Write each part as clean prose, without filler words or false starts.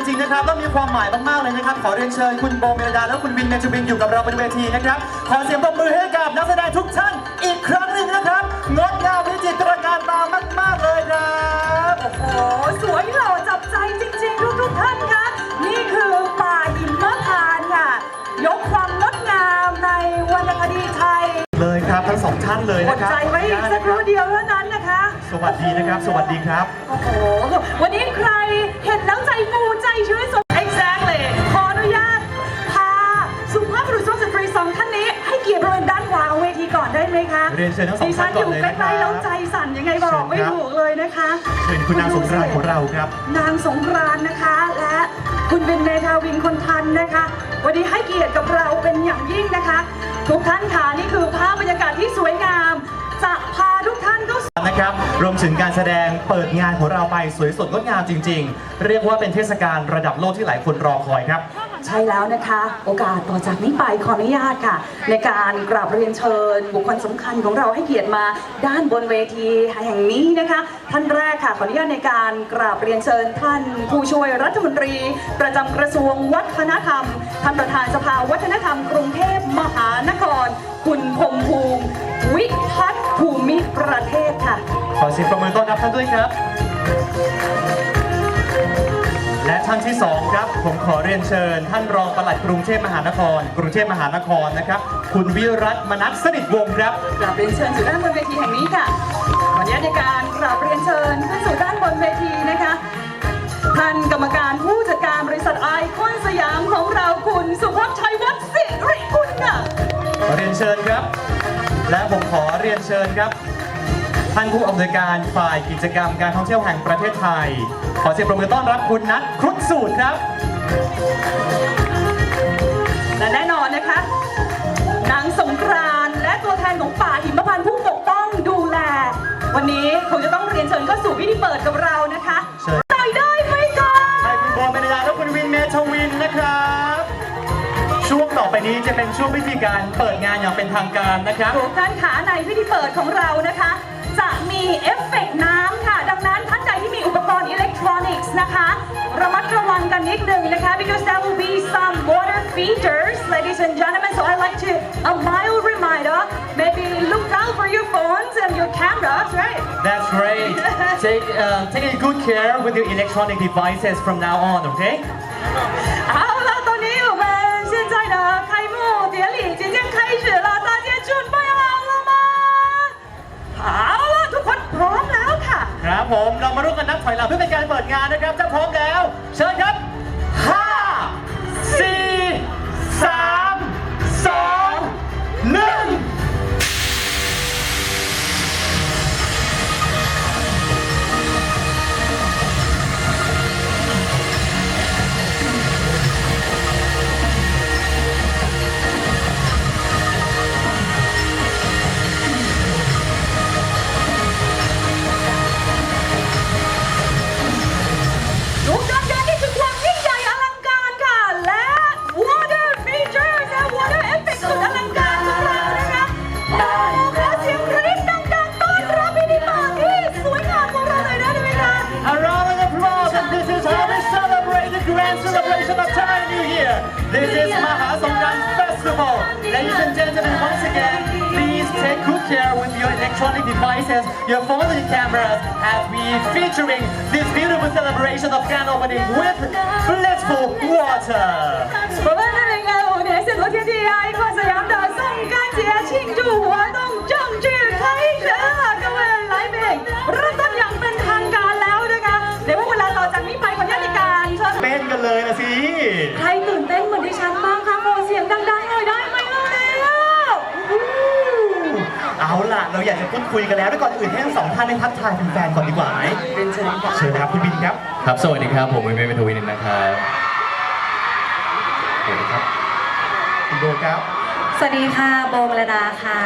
จริงๆนะครับและมีความหมายมากๆเลยนะครับขอเรียนเชิญคุณโบเมลดาและคุณวินเมจูบินอยู่กับเราบนเวทีนะครับขอเสียงปรบมือให้กับนักแสดงทุกท่านอีกครั้งหนึ่งนะครับงดงามวิจิตรการตามากๆเลยครับโอ้โหสวยหล่อจับใจจริงๆทุกท่านคะนี่คือป่าหิมพานต์ค่ะยกความงดงามในวรรณคดีไทยเลยครับทั้งสองท่านเลยนะครับอดใจไว้อีกสักครู่เดียวเท่านั้นนะคะสวัสดีนะครับสวัสดีครับโอ้โหวันนี้ใครเห็นแล้วใจฟูใจชื้นสด exactly ขออนุญาตพาสุภาพบุรุษสุภาพสตรีสองท่านนี้ให้เกียรติบริเวณด้านขวาของเวทีก่อนได้ไหมคะเรียนเชิญทั้งสองท่านก่อนเลยนะครับดิฉันอยู่ใกล้ๆแล้วใจสั่นยังไงบอกไม่ถูกเลยนะคะเชิญคุณนางสงกรานต์ของเราครับนางสงกรานต์นะคะและคุณเป็นเมธาวินคนทันนะคะวันนี้ให้เกียรติกับเราเป็นอย่างยิ่งนะคะทุกท่านค่ะนี่คือภาพบรรยากาศที่สวยงามจะพาทุกท่านเข้านะครับรวมถึงการแสดงเปิดงานของเราไปสวยสดงดงามจริงๆเรียกว่าเป็นเทศกาลระดับโลกที่หลายคนรอคอยครับใช่แล้วนะคะโอกาสต่อจากนี้ไปขออนุญาตค่ะในการกราบเรียนเชิญบุคคลสำคัญของเราให้เกียรติมาด้านบนเวทีแห่งนี้นะคะท่านแรกค่ะขออนุญาตในการกราบเรียนเชิญท่านผู้ช่วยรัฐมนตรีประจำกระทรวงวัฒนธรรมท่านประธานสภาวัฒนธรรมกรุงเทพมหานครคุณพงษ์ภูมิวิพัฒน์ภูมิประเทศค่ะขอเสียงปรบมือต้อนรับท่านด้วยครับและท่านที่สองครับผมขอเรียนเชิญท่านรองปลัดกรุงเทพมหานครนะครับคุณวิรัตมนัสสนิทวงศ์ครับกราบเรียนเชิญสู่ด้านบนเวทีแห่งนี้ค่ะขออนุญาตในการกราบเรียนเชิญขึ้นสู่ด้านบนเวทีนะคะท่านกรรมการผู้จัดการบริษัทไอคอนสยามของเราคุณสุภชัยวัฒน์สิริกุลค่ะขอเรียนเชิญครับและผมขอเรียนเชิญครับท่านผู้อำนวยการฝ่ายกิจกรรมการท่องเที่ยวแห่งประเทศไทยขอเสียงปรบมือต้อนรับคุณนัทครุฑสูตรครับและแน่นอนนะคะนางสงกรานต์และตัวแทนของป่าหิมพานต์ผู้ปกป้องดูแลวันนี้คงจะต้องเรียนเชิญเข้าสู่พิธีเปิดกับเรานะคะเชิญได้ไหมคะให้คุณโบเมลดาและคุณวินเมธาวินนะครับช่วงต่อไปนี้จะเป็นช่วงพิธีการเปิดงานอย่างเป็นทางการนะครับทุกท่านขาในพิธีเปิดของเรานะคะจะมีเอฟเฟกต์น้ำค่ะดังนั้นท่านใดที่มีอุปกรณ์อิเล็กทรอนิกส์นะคะระมัดระวังกันนิดนึงนะคะ because there will be some water features ladies and gentlemen so I'd like to a mild reminder maybe look out for your phones and your cameras right that's great take good care with your electronic devices from now on okay 好了ตอนนี้我们现在的开幕典礼即将开始了大家准备好了吗好了ทุกคนพร้อมแล้วค่ะครับผมเรามาร่วมกันนับถอยหลังเพื่อเป็นการเปิดงานนะครับถ้าพร้อมแล้วเชิญครับ5 4 3 2 1This is Maha Songkran Festival. Ladies and gentlemen, once again, please take good care with your electronic devices, your phones and cameras, as we featuring this beautiful celebration of grand opening with blissful water. 我们2025年是昨天第爱快沈阳的送干节庆祝活动正式开始了，各位来宾，เริ่มต้นอย่างเป็นทางการแล้วนะคะเดี๋ยวเวลาต่อจากนี้ไปขออนุญาตในการเชิญเต้นกันเลยนะสิใครตื่นเต้นเหมือนดิฉันบ้างคะขอเสียงดังๆหน่อยได้ไหมแล้วเอาล่ะเราอยากจะพูดคุยกันแล้วด้วยก่อนอื่นให้ทั้งสองท่านได้ทักทายแฟนๆก่อนดีกว่าไหมเชิญครับเชิญครับคุณบินครับครับสวัสดีครับผมวินเมธาวินนะครับสวัสดีครับคุณโบครับสวัสดีค่ะโบเมลดาค่ะ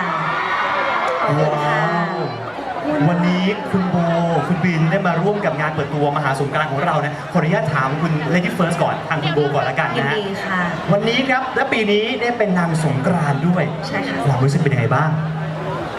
ว้าววันนี้คุณโบคุณบินได้มาร่วมกับงานเปิดตัวมหาสงกรานต์ของเรานะขออนุญาตถามคุณ Lady First ก่อนทางคุณโบก่อนละกันนะฮะวันนี้ครับและปีนี้ได้เป็นนางสงกรานต์ด้วยใช่ค่ะความรู้สึกเป็นยังไงบ้าง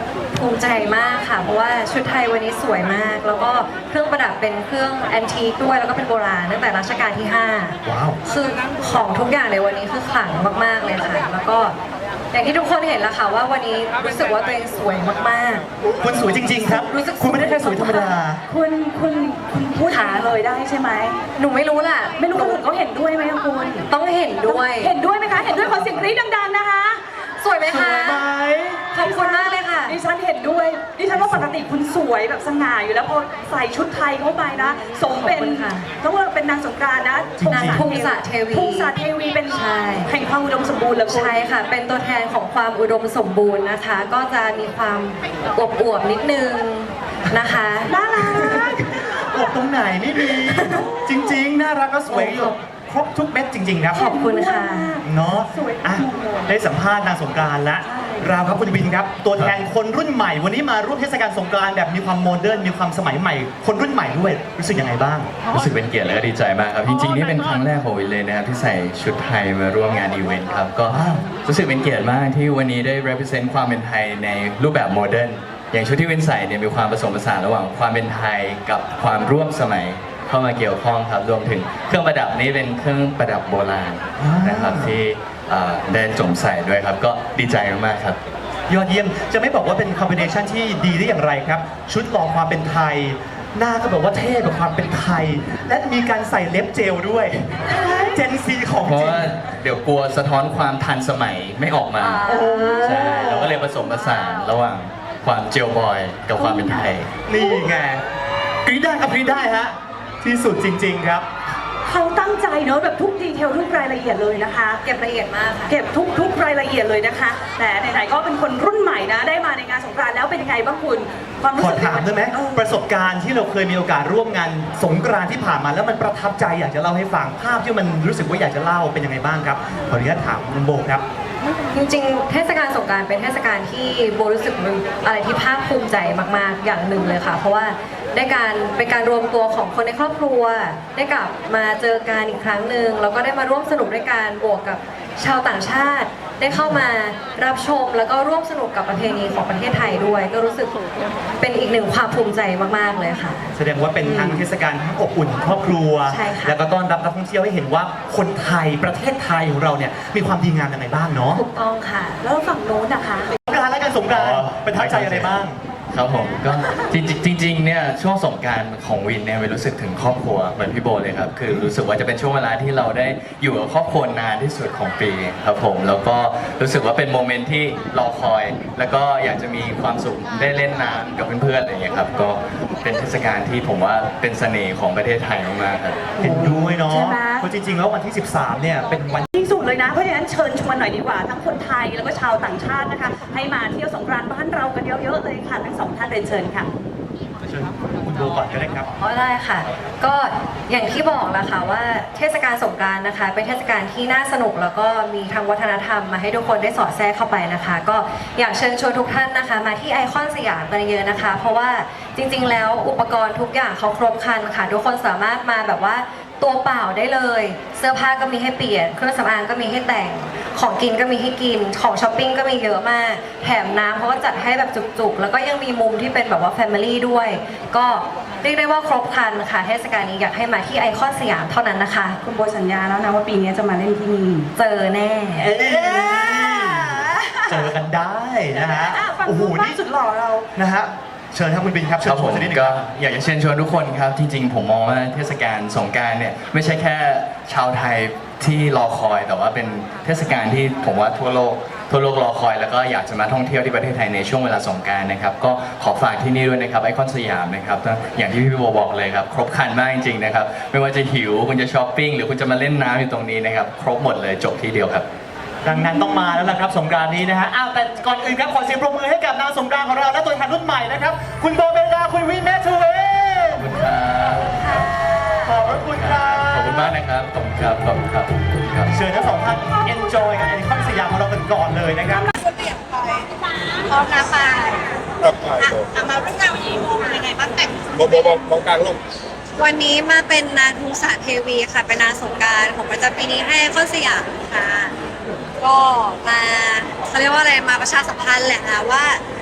ภูมิใจมากค่ะ เพราะว่าชุดไทยวันนี้สวยมาก แล้วก็เครื่องประดับเป็นเครื่องแอนทีคด้วย แล้วก็เป็นโบราณตั้งแต่รัชกาลที่ว้าว 5คือของทุกอย่างในวันนี้คือขลังมากๆเลยค่ะ แล้วก็อย่างที่ทุกคนเห็นแล้วค่ะว่าวันนี้รู้สึกว่าตัวเองสวยมากคุณสวยจริง ๆ ครับรู้สึกคุณไม่ได้แค่สวยธรรมดาคุณพูดหาเลยได้ใช่ไหมๆ หนูไม่รู้ล่ะไม่รู้คนอื่นเขาเห็นด้วยไหมคะคุณต้องเห็นด้วยเห็นด้วยไหมคะ เห็นด้วยขอเสียงกรี๊ดดังๆนะคะสวยไหมสคะวยไหมขอบคุณมากเลยค่ะดิฉันเห็นด้วยดิฉันว่าปกติคุณสวยแบบสง่าอยู่แล้วพอใส่ชุดไทยเข้าไปนะสมเป็นขอบคุณค่ะต้องว่าเป็นนางสงกรานต์นะนางภูมิศาสตร์เทวีภูมิศาสตร์เทวีเป็นใช่แห่งความอุดมสมบูรณ์เลยคุณใช่ค่ะ เป็นตัวแทนของความอุดมสมบูรณ์นะคะ ก็จะมีความอวบๆนิดนึงนะคะน่ารักอวบตรงไหนไม่มี จริง ๆ น่ารักก็สวยอยู่ครบทุกเม็ดจริง ๆ ครับขอบคุณค่ะเนาะสวยอ่ะได้สัมภาษณ์นางสงกรานต์แล้วเราครับคุณวินครับ ตัวแทนคนรุ่นใหม่ วันนี้มาร่วมเทศกาลสงกรานต์แบบมีความโมเดิร์นมีความสมัยใหม่ คนรุ่นใหม่ด้วยรู้สึกยังไงบ้างรู้สึกเป็นเกียรติและก็ดีใจมากครับ จริงๆนี่เป็นครั้งแรกของวินเลยนะครับที่ใส่ชุดไทยมาร่วมงานอีเวนต์ครับ ก็รู้สึกเป็นเกียรติมากที่วันนี้ได้ represent ความเป็นไทยในรูปแบบโมเดิร์น อย่างชุดที่วินใส่เนี่ยมีความผสมผสานระหว่างความเป็นไทยกับความร่วมสมัยเข้ามาเกี่ยวข้องครับ รวมถึงเครื่องประดับนี้เป็นเครื่องประดับโบราณนะครับที่ได้สวมใส่ด้วยครับ ก็ดีใจมากๆครับยอดเยี่ยมจะไม่บอกว่าเป็นคอมบิเนชันที่ดีได้อย่างไรครับ ชุดหล่อความเป็นไทย หน้าก็แบบว่าเท่กับความเป็นไทย และมีการใส่เล็บเจลด้วยเจนซีของเพราะจริงว่าเดี๋ยวกลัวสะท้อนความทันสมัยไม่ออกมา ใช่เราก็เลยผสมผสานระหว่างความเจลบอยกับความเป็นไทยนี่ไงกรี๊ดได้ครับกรี๊ดได้ฮะที่สุดจริง ๆ ครับเขาตั้งใจเนอะแบบทุกดีเทลทุกรายละเอียดเลยนะคะเก็บละเอียดมากค่ะเก็บทุกรายละเอียดเลยนะคะ แต่ไหนๆก็เป็นคนรุ่นใหม่นะ ได้มาในงานสงกรานต์แล้วเป็นยังไงบ้างคุณ ความรู้ขอสึกถามได้ไหมเออประสบการณ์ที่เราเคยมีโอกาสร่วมงานสงกรานต์ที่ผ่านมาแล้วมันประทับใจอยากจะเล่าให้ฟังภาพที่มันรู้สึกว่าอยากจะเล่าเป็นยังไงบ้างครับขออนุญาตถามคุณโบครับจริงๆ เทศกาลสงกรานต์เป็นเทศกาลที่โบรู้สึกเป็นอะไรที่ภาคภูมิใจมากๆ อย่างหนึ่งเลยค่ะ เพราะว่าเป็นการรวมตัวของคนในครอบครัว ได้กลับมาเจอกันอีกครั้งหนึ่งแล้วก็ได้มาร่วมสนุกด้วยกันบวกกับชาวต่างชาติ ได้เข้ามารับชมแล้วก็ร่วมสนุกกับประเพณีของประเทศไทยด้วย ก็รู้สึกเป็นอีกหนึ่งความภูมิใจมากๆเลยค่ะแสดงว่าเป็นทั้งเทศกาลที่อบอุ่นของครอบครัวใช่ค่ะแล้วก็ต้อนรับนักท่องเที่ยวให้เห็นว่าคนไทยประเทศไทยของเราเนี่ยมีความดีงามยังไงบ้างเนาะถูกต้องค่ะแล้วฝั่งโน้นนะคะสงกรานต์และการสงกรานต์ประทับใจอะไรบ้างครับผมก็จริงๆเนี่ยช่วงสงกรานต์ของวินเนี่ยวินรู้สึกถึงครอบครัวเหมือนพี่โบเลยครับคือรู้สึกว่าจะเป็นช่วงเวลาที่เราได้อยู่กับครอบครัวนานที่สุดของปีครับผมแล้วก็รู้สึกว่าเป็นโมเมนต์ที่รอคอย แล้วก็อยากจะมีความสุขได้เล่นน้ำกับเพื่อนๆอะไรอย่างเงี้ยครับก็เป็นเทศกาลที่ผมว่าเป็นเสน่ห์ของประเทศไทยมากๆครับเห็นด้วยเนาะใช่ไหมเพราะจริงๆแล้ววันที่ 13 เนี่ยเป็นวันที่สุดเลยนะ เพราะฉะนั้นเชิญชวนหน่อยดีกว่า ทั้งคนไทยแล้วก็ชาวต่างชาตินะคะ ให้มาเที่ยวสงกรานต์บ้านเรากันเยอะๆเลยค่ะ ทั้งสองท่านเรียนเชิญค่ะเชิญคุณโบก่อนก็ได้ครับอ๋อได้ค่ะ ก็อย่างที่บอกแล้วค่ะว่าเทศกาลสงกรานต์นะคะ เป็นเทศกาลที่น่าสนุกแล้วก็มีทางวัฒนธรรมมาให้ทุกคนได้สอดแทรกเข้าไปนะคะ ก็อยากเชิญชวนทุกท่านนะคะ มาที่ไอคอนสยามกันเยอะนะคะ เพราะว่าจริงๆแล้วอุปกรณ์ทุกอย่างเขาครบครันค่ะ ทุกคนสามารถมาแบบว่าตัวเปล่าได้เลย เสื้อผ้าก็มีให้เปลี่ยน เครื่องสำอางก็มีให้แต่ง ของกินก็มีให้กิน ของช้อปปิ้งก็มีเยอะมาก แถมน้ำเขาก็จัดให้แบบจุกๆ แล้วก็ยังมีมุมที่เป็นแบบว่าแฟมิลี่ด้วย ก็เรียกได้ว่าครบครันค่ะ เทศกาลนี้อยากให้มาที่ไอคอนสยามเท่านั้นนะคะคุณโบสัญญาแล้วนะว่าปีนี้จะมาเล่นที่นี่เจอแน่เอ้ยเจอกันได้นะฮะอ่ะฝั่งโอ้โหนู้นบ้านี่งสุดหล่อเรานะฮะเชิญครับคุณบินครับคเชิรัญบชผวนมสักนิดหนึงก็ครับอยากจะเชิญชวนทุกคนครับจริงๆผมมองว่าเทศกาลสงกรานต์เนี่ยไม่ใช่แค่ชาวไทยที่รอคอย แต่ว่าเป็นเทศกาลที่ผมว่าทั่วโลกรอคอย แล้วก็อยากจะมาท่องเที่ยวที่ประเทศไทยในช่วงเวลาสงกรานต์นะครับก็ขอฝากที่นี่ด้วยนะครับไอคอนสยามนะครับอย่างที่พี่โบบอกเลยครับครบครันมากจริงๆนะครับไม่ว่าจะหิวคุณจะช้อปปิ้งหรือคุณจะมาเล่นน้ำอยู่ตรงนี้นะครับครบหมดเลยจบที่เดียวครับดังนั้นต้องมาแล้วล่ะครับสงกรานต์นี้นะฮะอ้าวแต่ก่อนอื่นครับขอเสียงปรบมือให้กับนางสงกรานต์ของเราและตัวแทนรุ่นใหม่นะครับคุณโบเบลดาคุณวินแมททูเวขอบคุณครับขอบพระคุณครับขอบคุณมากนะครับขอบคุณครับขอบคุณครับขอบคุณครับเชิญทั้งสองท่าน enjoy กับไอคอนสยามของเรากันก่อนเลยนะครับพร้อมนะปายครับไปมาเรื่องราววันนี้โมเป็นยังไงบ้างแต่งโบมองกลางลูกวันนี้มาเป็นนางทุงสารเทวีค่ะ เป็นนางสงกรารของประจำปีนี้ให้ไอคอนสยามค่ะ ก็มาเขาเรียกว่าอะไรมาประชาสัมพันธ์แหละค่ะว่า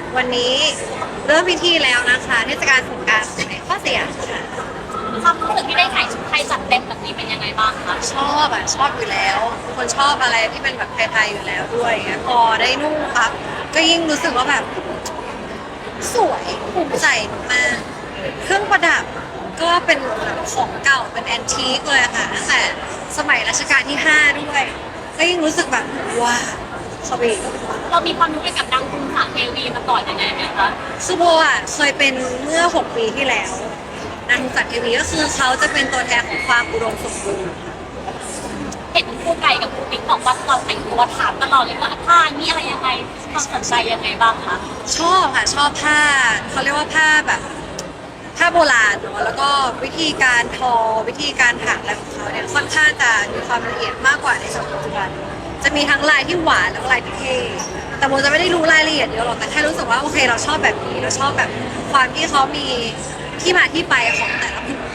วันนี้เริ่มพิธีแล้วนะคะเทศกาลสงกรานต์ในข้อเสียค่ะความรู้สึกที่ได้ใส่ชุดไทยจัดเต็มแบบนี้เป็นยังไงบ้างคะชอบอยู่แล้วเป็นคนชอบอะไรที่เป็นแบบไทยๆอยู่แล้วด้วยพอได้นุ่งปั๊บก็ยิ่งรู้สึกว่าแบบสวยภูมิใจมากเครื่องประดับก็เป็นของเก่าเป็นแอนทีคเลยค่ะตั้งแต่สมัยรัชกาลที่ 5 ด้วย ก็ยิ่งรู้สึกแบบว้าวสวีทเรามีความรู้เกี่ยวกับนางคุณสาเทวีมาก่อนยังไงไหมคะคือโบอ่ะเคยเป็นเมื่อ 6 ปีที่แล้วนางสัตว์เทวีก็คือเขาจะเป็นตัวแทนของความอุดมสมบูรณ์เห็นคู่ไก่กับคู่ติ๊กบอกว่าตอนแต่งตัวถามตลอดเลยว่าผ้านี่อะไรยังไงความสนใจยังไงบ้างคะชอบค่ะชอบผ้าเขาเรียกว่าผ้าแบบผ้าโบราณเนาะแล้วก็วิธีการทอวิธีการถักอะไรของเขาเนี่ยค่อนข้างจะมีความละเอียดมากกว่าในสมัยปัจจุบันจะมีทั้งลายที่หวานแล้วก็ลายที่เท่แต่โบจะไม่ได้รู้รายละเอียดเยอะหรอกแต่แค่รู้สึกว่าโอเคเราชอบแบบนี้เราชอบแบบความที่เขามีที่มาที่ไปของแต่ละผืน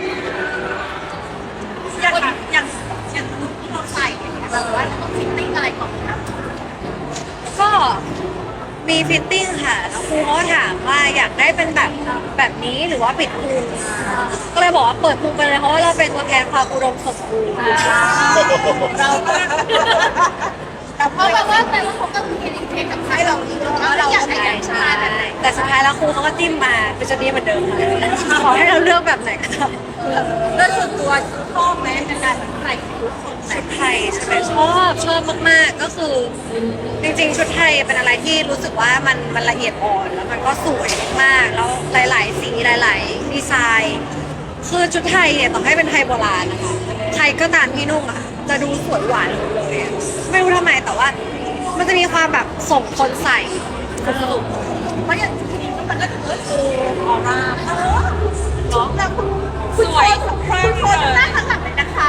อย่างที่เราใส่เนี่ยแบบว่าต้องฟิตติ้งอะไรก่อนนะก็มีฟิตติ้งค่ะแล้วครูเขาก็ถามว่าอยากได้เป็นแบบนี้หรือว่าปิดพุงก็เลยบอกว่าเปิดพุงไปเลยเพราะว่าเราเป็นตัวแทนความอุดมสมบูรณ์เราก็แต่เพราะว่าแต่ละคนก็มีเทคกับใครเราอีกแล้วเราอยากได้อย่างชาแบบไหนแต่สุดท้ายแล้วครูเขาก็จิ้มมาเป็นจะดีเหมือนเดิมค่ะขอให้เราเลือกแบบไหนก็ได้โดยส่วนตัวชอบไหมในการใส่ชุดคนไหนชุดไทยใช่ไหมชอบมากๆก็คือจริงๆชุดไทยเป็นอะไรที่รู้สึกว่ามันละเอียดอ่อนแล้วมันก็สวยมากๆแล้วหลายๆสีหลายๆดีไซน์คือชุดไทยเนี่ยต่อให้เป็นไทยโบราณนะคะใครก็ตามที่นุ่งอ่ะจะดูสวยหวานหมดเลยอะไม่รู้ทำไมแต่ว่ามันจะมีความแบบส่งคนใส่เพราะอย่างที่นี่มันก็ถือว่าโชว์ออร่าเนาะแล้วคุณสวยคุณโชว์หน้าข้างหลังเลยนะคะ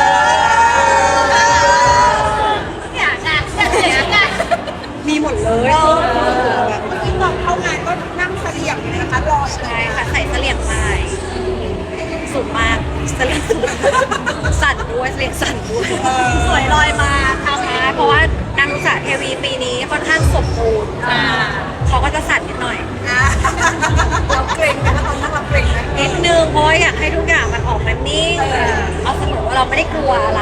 เนี่ยงานมีหมดเลยที่ตอนเข้างานก็นั่งเสลี่ยงเลยนะคะรอใช่ค่ะใส่เสลี่ยงลายสูงมากเสลี่ยงสูงสั่นด้วยเสลี่ยงสั่นด้วยสวยลอยมาค่ะใช่เพราะว่านางนุสาเทวีปีนี้ค่อนข้างสมบูรณ์เขาก็จะสั่นนิดหน่อยเราเกรงนะคะตอนนั้นเราเกรงนะนิดนึงเพราะว่าอยากให้ทุกอย่างมันออกมานิ่งเอาเสมอว่าเราไม่ได้กลัวอะไร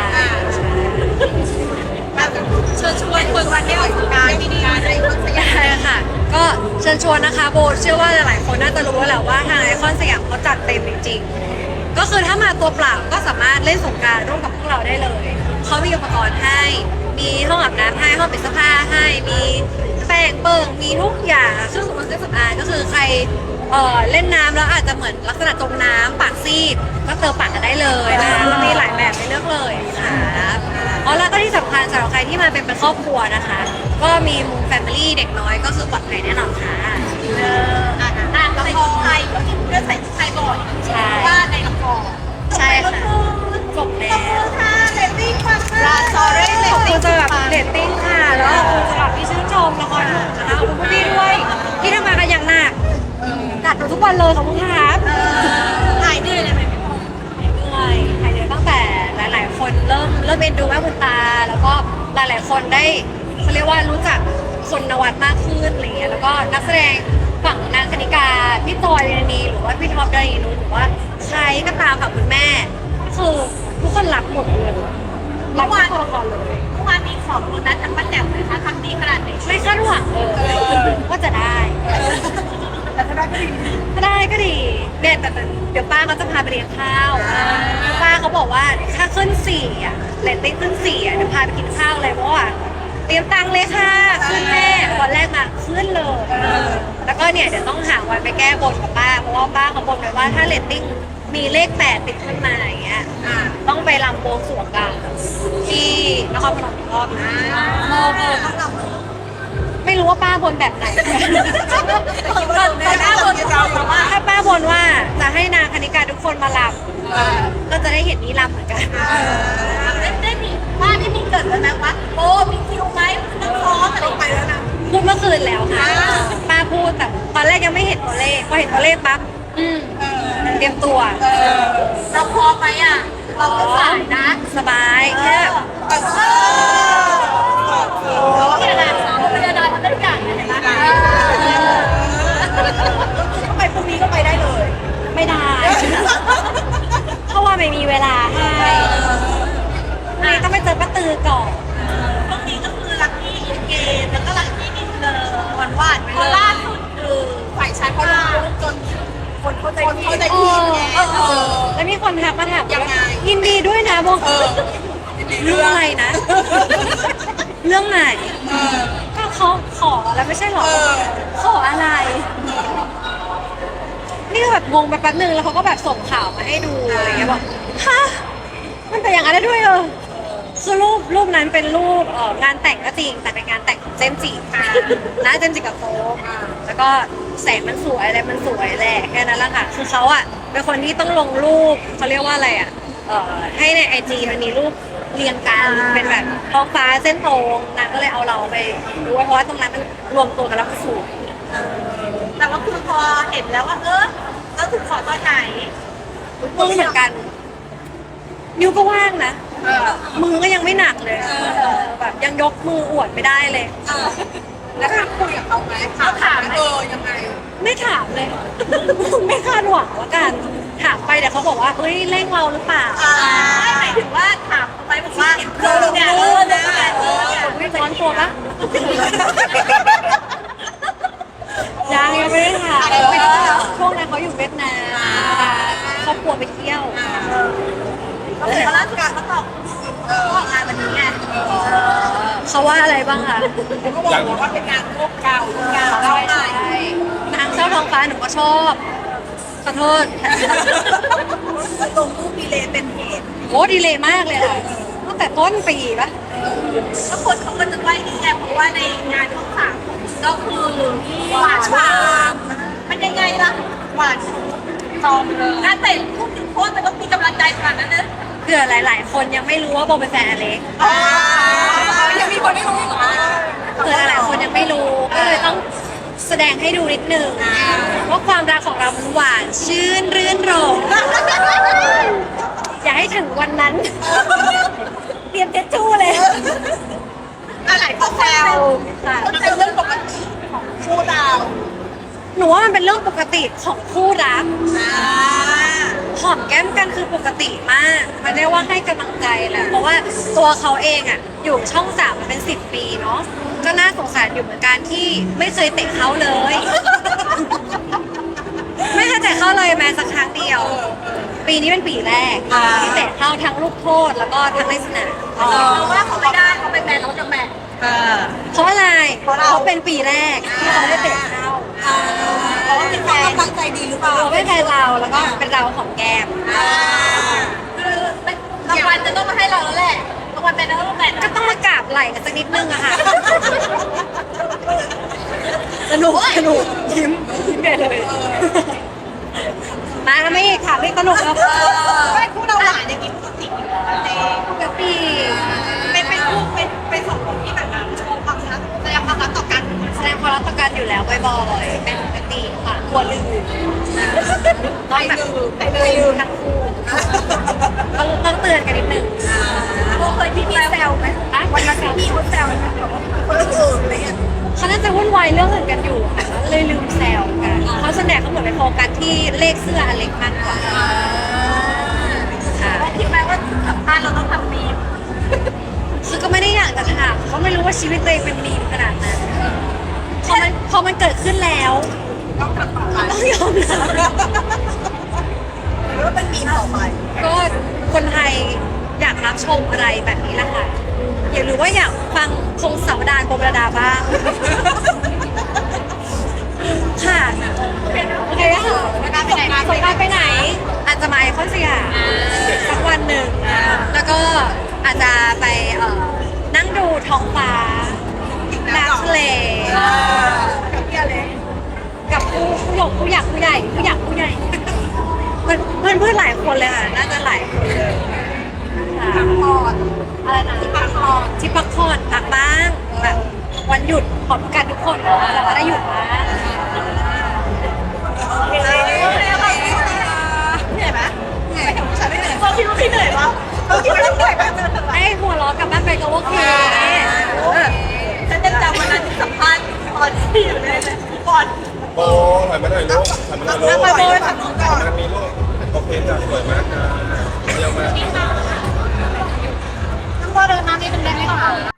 เชิญชวนคนวันนี้ออกงานที่นี่ในคนสยามใช่ค่ะ ก็เชิญชวนนะคะโบเชื่อว่าหลายๆคนน่าจะรู้แล้วแหละว่าทางไอคอนสยามเขาจัดเต็มจริงๆก็คือถ้ามาตัวเปล่าก็สามารถเล่นสงกรานต์ร่วมกับพวกเราได้เลยเขามีอุปกรณ์ให้มีห้องอาบน้ำให้ห้องปิดเสื้อผ้าให้มีแป้งเปิงมีทุกอย่างเครื่องสำอางก็คือใครเล่นน้ำแล้วอาจจะเหมือนลักษณะจมน้ำปากซีดก็เติมปากกันได้เลยนะคะมีหลายแบบให้เลือกเลยค่ะแล้วก็ที่สำคัญสำหรับใครที่มาเป็นครอบครัวนะคะ ก็มีมุมแฟมิลี่เด็กน้อยก็คือปลอดภัยแน่นอนค่ะละครไทยก็มีเรื่องใส่ชุดไทยบ่อยใช่ว่าในละครใช่ค่ะจบแล้วค่ะเรตติ้งมากราซอเร่เรขตอบคุติ้งณสำหรับเรตติ้งค่ะแล้วขอบคุณสำหรับที่ชื่นชมละครถูกนะคะขอบคุณพี่ด้วยที่ทำงานกันอย่างหนักกัดหนูทุกวันเลยขอบคุณครับหายเหนื่อยเลยไหมพี่พงษ์เหนื่อยหายเหนื่อยตั้งแต่หลาย ๆ คนเริ่มเอ็นดูแม่คุณตา แล้วก็หลาย ๆ คนได้เขาเรียกว่ารู้จักคนนวัดมากขึ้นอะไรเงี้ยแล้วก็นักแสดงฝั่งนางคณิกาพี่จอยเรนนีหรือว่าพี่ท็อปดารีนุชหรือว่าใครก็ตามฝั่งคุณแม่คือทุกคนรักหมดเลยรักทุกตัวละครเลยเมื่อวานมีของโบนัสจากป้าแจ๋วเลยค่ะทำดีขนาดไหนไม่คาดหวังเลยว่าจะได้แต่ถ้าได้ก็ดีถ้าได้ก็ดีเนี่ยแต่เดี๋ยวป้าเขาจะพาไปเลี้ยงข้าวป้าเขาบอกว่าถ้าขึ้น4อ่ะเรตติ้งขึ้น4อ่ะเดี๋ยวพาไปกินข้าวเลยเพราะว่าเตรียมตังค์เลยค่ะขึ้นแม่วันแรกมาขึ้นเลยแล้วก็เนี่ยเดี๋ยวต้องหาวันไปแก้บนกับป้าเพราะว่าป้าเขาบอกไว้ว่าถ้าเรตติ้งมีเลข8ติดขึ้นมาอย่างเงี้ยต้องไปรำบวงสรวงกันที่นครพนมอีกรอบนะต้องนำไม่รู้ว่าป้าบนแบบไหนแต่หน้าบนเราแบบว่าถ้าป้าบนว่าจะให้นางคณิกาทุกคนมาลำก็จะได้เห็นนี้ลำเหมือนกันได้มีว่าที่มีเกิดแล้วนะว่าโอ้มีคิวไหมต้องซ้อมอะไรไปแล้วนะพูดเมื่อคืนแล้วค่ะ ป้าพูดแต่ตอนแรกยังไม่เห็นตัวเลขพอเห็นตัวเลขปั๊บเตรียมตัวเราพอไหมอ่ะ เราก็สายนะสบายแค่พี่นาดทำได้ทุกอย่างเลยเห็นไหมทำไมพรุ่งนี้ก็ไปได้เลยไม่ได้ เพราะว่าไม่มีเวลาให้นี่ต้องไปเจอป้าตือก่อนพรุ่งนี้ก็คือลัคกี้อินเกมแล้วก็ลัคกี้อินเลยหวานๆไปเลยเพราะล่าสุดคือฝ่ายชายเขาลงรูปจนคนเข้าใจผิดไงแล้วมีคนทักมาถามยังไงยินดีด้วยนะบอกเรื่องอะไรนะ เรื่องไหนก็เขาขอแล้วไม่ใช่หรอขออะไร นี่ก็แบบงงไปแป๊บนึงแล้วเขาก็แบบส่งข่าวมาให้ดูอะไรเงี้ยบอกฮะมันเป็นอย่างนั้นได้ด้วยเหรอคือรูปนั้นเป็นรูปงานแต่งก็จริงแต่เป็นงานแต่งของเจมส์จินะเจมส์จิกับโฟกแล้วก็แสงมันสวยอะไรมันสวยแหละแค่นั้นแหละค่ะคือเขาอะเป็นคนที่ต้องลงรูปเขาเรียกว่าอะไรอะให้ในIGมันมีรูปเรียงกันเป็นแบบท้องฟ้าเส้นตรงนางก็เลยเอาเราไปดูเพราะว่าตรงนั้นมันรวมตัวกันแล้วมันสวยแต่ว่าคือพอเห็นแล้วว่าแล้วถึงขอตอนไหนมือเหมือนกันนิ้วก็ว่างนะมือก็ยังไม่หนักเลยแบบยังยกมืออวดไม่ได้เลยแล้วถามคุยกับเขาไหมถามยังไงไม่ถามเลย ไม่คาดหวังแล้วกันถามไปเดี๋ยวเขาบอกว่าเฮ้ยเร่งเราหรือเปล่าไม่หมายถึงว่าถามเขาไหมบอกว่าเนี่ยไม่ร้อนตัวปะยังไม่ได้ถามช่วงนั้นเขาอยู่เวียดนามครอบครัวไปเที่ยวก็คือล่าสุดเขาตอบออกงานวันนี้ไงเขาว่าอะไรบ้างคะเขาก็บอกว่าเป็นงานโลกเก่าได้นางเจ้าท้องฟ้าหนูก็ชอบขอโทษลงรูปมีเลเป็นเหตุโอ้ดีเลยมากเลยค่ะตั้งแต่ต้นปีปะแล้วคนเขาก็จะไหว้นี่ไงเพราะว่าในงานของสามก็คือหวานชามมันยังไงล่ะหวานจอมเลยงานแต่งพูดถึงโพสแต่ก็มีกำลังใจขนาดนั้นนะเผื่อหลาย ๆ คนยังไม่รู้ว่าโบเป็นแฟนอเล็กยังมีคนไม่รู้อีกเหรอเผื่อหลาย ๆ คนยังไม่รู้ก็เลยต้องแสดงให้ดูนิดนึงว่าความรักของเรามันหวานชื่นรื่นรมอย่าให้ถึงวันนั้น เตรียมเจ็ดจู้เลยอะไรเขาแซวเขาแซวเรื่องปกติของคู่เราหนูว่ามันเป็นเรื่องปกติของคู่รักหอมแก้มกันคือปกติมากมันเรียกว่าให้กำลังใจแหละเพราะว่าตัวเขาเองอ่ะอยู่ช่อง3มาเป็น10 ปีเนาะก็น่าสงสารอยู่เหมือนกันที่ไม่เคยเตะเขาเลย ไม่เคยเตะเข้าเลยแม้สักครั้งเดียว ปีนี้เป็นปีแรกที่เตะเข้าทั้งลูกโทษแล้วก็ทั้งในสนามเราว่าเขาไม่ได้เขาเป็นแมนเขาจะแมนเพราะอะไรเพราะเป็นปีแรกที่เขาได้เตะเข้าเพราะว่าเป็นแฟนตั้งใจดีหรือเปล่าเราไม่แฟนเราแล้วก็เป็นเราของแก้มคือรางวัลจะต้องมาให้เราแล้วแหละรางวัลเป็นนักแมนก็ต้องมากราบไหล่กันสักนิดนึงอะค่ะ สนุกยิ้มใหญ่เลย มาไม่อีกค่ะไม่สนุกครับไม่คู่เราหวานอย่างนี้ปกติอยู่แล้วเองกะปีเป็นคู่เป็นสองคนที่แบบโชว์ความรักแสดงความรักต่อกันแสดงความรักต่อกันอยู่แล้วบ่อยๆเป็นปกติค่ะควรลืมต้องแบบลืมทั้งคู่ต้องเตือนกันนิดนึงโบเคยพี่แซวไหมอ่ะวันละแซวพี่เขาแซวไหมแบบว่าคนอื่นอะไรเงี้ยเขาน่าจะวุ่นวายเรื่องอื่นกันอยู่ค่ะเลยลืมแซวกันเขาส่วนใหญ่เขาเหมือนไปโฟกัสที่เลขเสื้ออเล็กมากกว่าค่ะคิดไหมว่าสัมภาษณ์เราต้องทำมีมคือก็ไม่ได้อยากจะถามเขาไม่รู้ว่าชีวิตตัวเองเป็นมีมขนาดนั้นพอมันเกิดขึ้นแล้วต้องทำต่อไปต้องยอมรับหรือว่าเป็นมีมต่อไปก็คนไทยอยากรับชมอะไรแบบนี้แหละค่ะอยากรู้ว่าอยากฟังพงศาวดารโบราดาบ้างค่ะโอเคค่ะสงกรานต์ไปไหน อาจจะมาไอคอนสยามสักวันหนึ่งแล้วก็อาจจะไปนั่งดูท้องฟ้าน้ำทะเลกับผู้ใหญ่เพื่อนหลายคนเลยค่ะน่าจะหลายคนเลยค่ะอะไรนะที่พักผ่อนพักบ้างแบบวันหยุดขอบกันทุกคนแต่ว่าได้หยุดบ้างเหนื่อยไหมไม่ถึงฉันไม่เหนื่อยเขาคิดว่าพี่เหนื่อยปะเขาคิดว่าเหนื่อยปะให้หัวเราะกลับบ้านไปก็โอเคฉันจะจำวันนั้นที่สัมภาษณ์ตอนที่อยู่ในบอลโบถ่ายมาหน่อยลูกถ่ายมาหน่อยลูกโบยฝั่งนู้นก่อนมันมีลูกโอเคจ้ะสวยมากจ้ะเยี่ยมมากน้องโบเดินมานิดนึงได้ไหมคะ